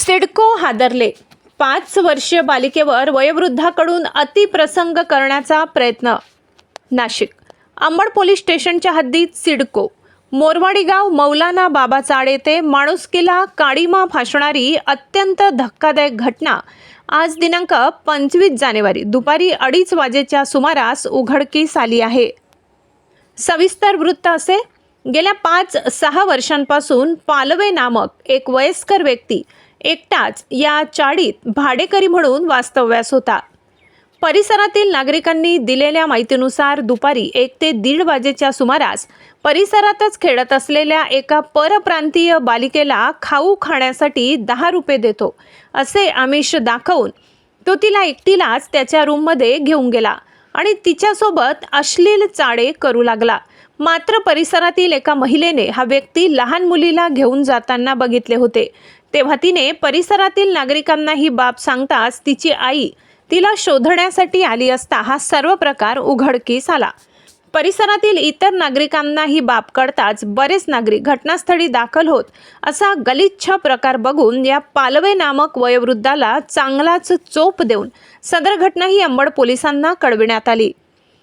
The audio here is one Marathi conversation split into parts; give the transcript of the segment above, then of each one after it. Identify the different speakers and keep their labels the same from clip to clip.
Speaker 1: सिडको हादरले. 5 वर्षीय बालिकेवर वयोवृद्धाकडून अतिप्रसंग करण्याचा प्रयत्न. नाशिक अंबड पोलीस स्टेशनच्या हद्दीत सिडको मोरवाडी गाव मौलाना बाबा चाड येथे माणुसकीला काळीमा फासणारी अत्यंत धक्कादायक घटना आज दिनांक 25 जानेवारी दुपारी 2:30 वाजेच्या सुमारास उघडकीस आली आहे. सविस्तर वृत्त असे. गेल्या 5-6 वर्षांपासून पालवे नामक एक वयस्कर व्यक्ती एकटाच या चाळीत भाडेकरी म्हणून वास्तव्यास होता. परिसरातील नागरिकांनी दिलेल्या माहितीनुसार दुपारी 1 ते 1:30 वाजेच्या सुमारास परिसरातच खेळत असलेल्या एका परप्रांतीय बालिकेला खाऊ खाण्यासाठी 10 रुपये देतो असे आमिष दाखवून तो तिला एकटीलाच त्याच्या रूममध्ये घेऊन गेला आणि तिच्यासोबत अश्लील चाळे करू लागला. मात्र परिसरातील एका महिलेने हा व्यक्ती लहान मुलीला घेऊन जाताना बघितले होते. तेव्हा तिने परिसरातील नागरिकांना ही बाब सांगताच तिची आई तिला शोधण्यासाठी आली असता हा सर्व प्रकार उघडकीस आला. परिसरातील इतर नागरिकांना ही बाब कळताच बरेच नागरिक घटनास्थळी दाखल होत असा गलिच्छ प्रकार बघून या पालवे नामक वयोवृद्धाला चांगलाच चोप देऊन सदर घटना ही अंबड पोलिसांना कळविण्यात आली.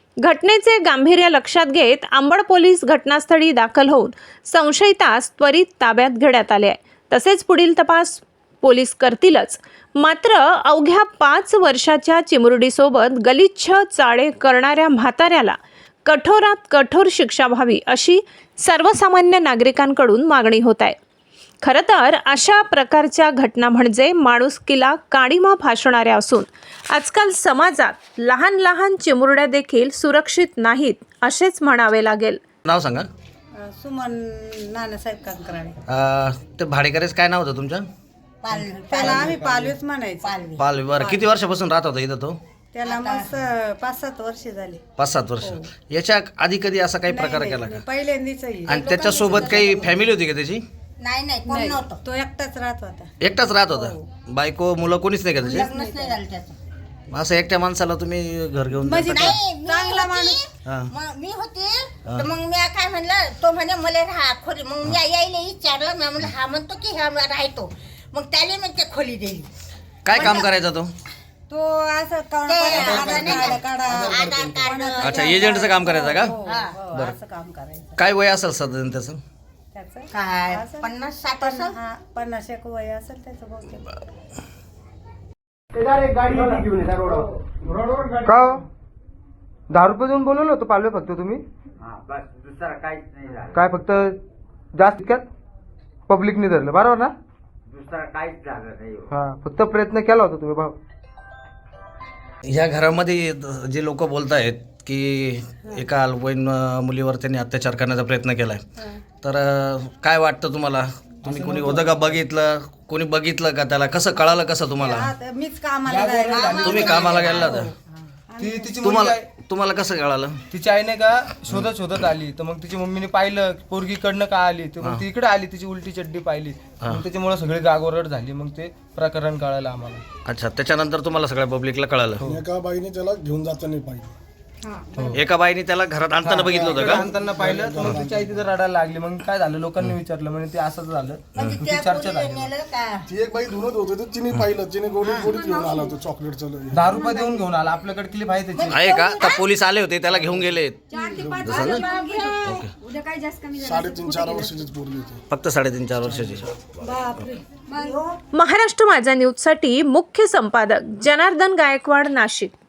Speaker 1: घटनेचे गांभीर्य लक्षात घेत अंबड पोलीस घटनास्थळी दाखल होऊन संशयितास त्वरित ताब्यात घेण्यात आले आहे. तसेच पुढील तपास पोलीस करतीलच. मात्र अवघ्या 5 वर्षाच्या चिमुरडीसोबत गलिच्छ चाळे करणाऱ्या म्हाताऱ्याला कठोरात कठोर शिक्षा व्हावी अशी सर्वसामान्य नागरिकांकडून मागणी होत आहे. खरं तर अशा प्रकारच्या घटना म्हणजे माणुसकीला काळीमा फासणाऱ्या असून आजकाल समाजात लहान लहान चिमुरड्या देखील सुरक्षित नाहीत असेच म्हणावे लागेल.
Speaker 2: नाव सांगा.
Speaker 3: सुमन नानासाहेब कंकराळे.
Speaker 2: ते भाडेकरीच काय नाव होतं तुमचं?
Speaker 3: त्याला आम्ही पालवीच म्हणायचो.
Speaker 2: पालवी. बरं, किती वर्षापासून राहत होता इथं तो?
Speaker 3: त्याला मग 5-7 वर्ष झाली.
Speaker 2: 5-7 वर्ष. याच्या आधी कधी असा काही प्रकार केला का?
Speaker 3: पहिल्यांदाच.
Speaker 2: आणि त्याच्यासोबत काही फॅमिली होती का त्याची?
Speaker 4: नाही कोण नव्हतं.
Speaker 3: तो एकटाच राहत होता.
Speaker 2: एकटाच राहत होता. बायको मुलं कोणीच नाही का त्याची?
Speaker 4: लग्नच नाही झालं त्याचं.
Speaker 2: असं एकट्या माणसाला तुम्ही घर घेऊन
Speaker 3: म्हणजे
Speaker 2: जाता का?
Speaker 4: नाही, मी
Speaker 3: चांगला
Speaker 4: होती,
Speaker 3: माणूस.
Speaker 2: हा.
Speaker 4: मग मी होते तर मग मी काय म्हणलं, तो म्हणे मला राहा खोली. मग मी यायला विचारलं, मी म्हणलं हा म्हणतो की हा राहतो. मग त्याने मग ते खोली दिली.
Speaker 2: काय काम करायचा तो?
Speaker 3: तो असं
Speaker 4: आधार कार्ड.
Speaker 2: अच्छा, एजंटचं काम करायचं का?
Speaker 3: बरं, असं काम करायचं.
Speaker 2: काय वय असेल साधारण त्याचं?
Speaker 3: त्याचं
Speaker 4: काय
Speaker 3: असं
Speaker 4: 50-60 असं.
Speaker 3: 50 वय असेल त्याचं बहुतेक.
Speaker 5: का 10 रुपये देऊन बोलवलं होतं पालवे फक्त तुम्ही?
Speaker 6: बस दुसरा काहीच नाही झालं.
Speaker 5: काय फक्त जास्त इतक्यात पब्लिकने धरलं बरोबर ना?
Speaker 6: दुसरा काहीच झालं नाही.
Speaker 5: हा, फक्त प्रयत्न केला होता तुम्ही भाऊ.
Speaker 2: ह्या घरामध्ये जे लोक बोलत आहेत की एका अल्पवयीन मुलीवर त्यांनी अत्याचार करण्याचा प्रयत्न केलाय, तर काय वाटतं तुम्हाला? तुम्ही कोणी होतं का? बघितलं? कोणी बघितलं का? त्याला कसं कळालं? कसं तुम्हाला?
Speaker 3: आता मीच कामाला जायला.
Speaker 2: तुम्ही कामाला गेला होता?
Speaker 7: तिची
Speaker 2: तुम्हाला कसं कळालं?
Speaker 7: तिची आईने का शोधत आली, तर मग तिची मम्मीने पाहिलं पोरगीकडनं का आली, तर मग ती इकडे आली, तिची उलटी चड्डी पाहिली, मग त्याच्यामुळे सगळी गागोरड झाली. मग ते प्रकरण कळालं आम्हाला.
Speaker 2: अच्छा, त्याच्यानंतर तुम्हाला सगळ्या पब्लिकला कळालं?
Speaker 8: एका बाईने त्याला घेऊन जाता नाही पाहिजे.
Speaker 2: एका बाईने त्याला घरात आणताना बघितलं होतं का?
Speaker 7: आणताना पाहिलं, तर मग तिची आई तिथं रडायला लागली. मग काय झालं, लोकांनी विचारलं, म्हणजे ते असंच झालं.
Speaker 4: म्हणजे
Speaker 7: ती
Speaker 4: त्या
Speaker 7: चर्चा
Speaker 4: पोरीला
Speaker 7: झाली.
Speaker 4: नेलं का?
Speaker 8: ती एक बाई धुनत होती, तर तिने पाहिलं, तिने गोडीत घेऊन आला होता चॉकलेटचं.
Speaker 7: 10 रुपये देऊन घेऊन आला. आपल्याकडे क्लिप आहे त्याची.
Speaker 2: आहे का? तर पोलीस आले होते, त्याला घेऊन गेले.
Speaker 8: 3.5-4 वर्षाचीच पोरगी होती.
Speaker 2: फक्त 3.5-4 वर्षाची.
Speaker 1: महाराष्ट्र माझा न्यूजसाठी मुख्य संपादक जनार्दन गायकवाड, नाशिक.